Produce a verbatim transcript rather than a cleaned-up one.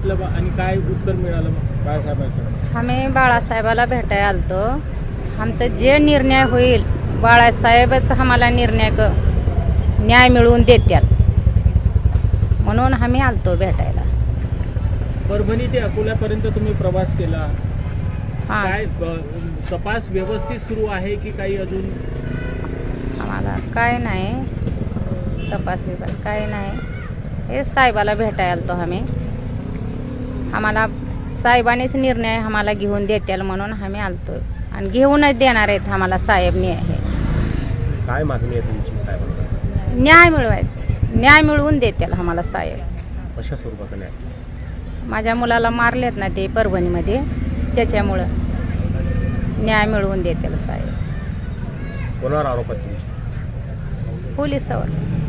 सांगितलं बा आणि काय उत्तर मिळालं मग बाळासाहेबांकडे? आम्ही बाळासाहेबाला भेटायला आलतो. आमचं जे निर्णय होईल बाळासाहेबच आम्हाला निर्णय क न्याय मिळवून देत्याल म्हणून आम्ही आलतो भेटायला. परभणी ते अकोल्यापर्यंत तुम्ही प्रवास केला, हां काय ब- तपास व्यवस्थित सुरू आहे की काही अजून? आम्हाला काय नाही तपास बिपास काय नाही. हे साहेबाला भेटायला आलतो आम्ही. आम्हाला साहेबांनीच निर्णय आम्हाला घेऊन देत्याल म्हणून आम्ही आलतो आणि घेऊनच देणार आहेत आम्हाला साहेब न्याय. काय मागणी आहे तुमची साहेबांना? न्याय मिळवायचं, न्याय मिळवून देत्याल आम्हाला साहेब. कशा स्वरूपाचा न्याय? माझ्या मुलाला मारलेत ना ते परभणीमध्ये, त्याच्यामुळं न्याय मिळवून देतील साहेब. कोणावर आरोप आहे तुमचे? पोलिसावर.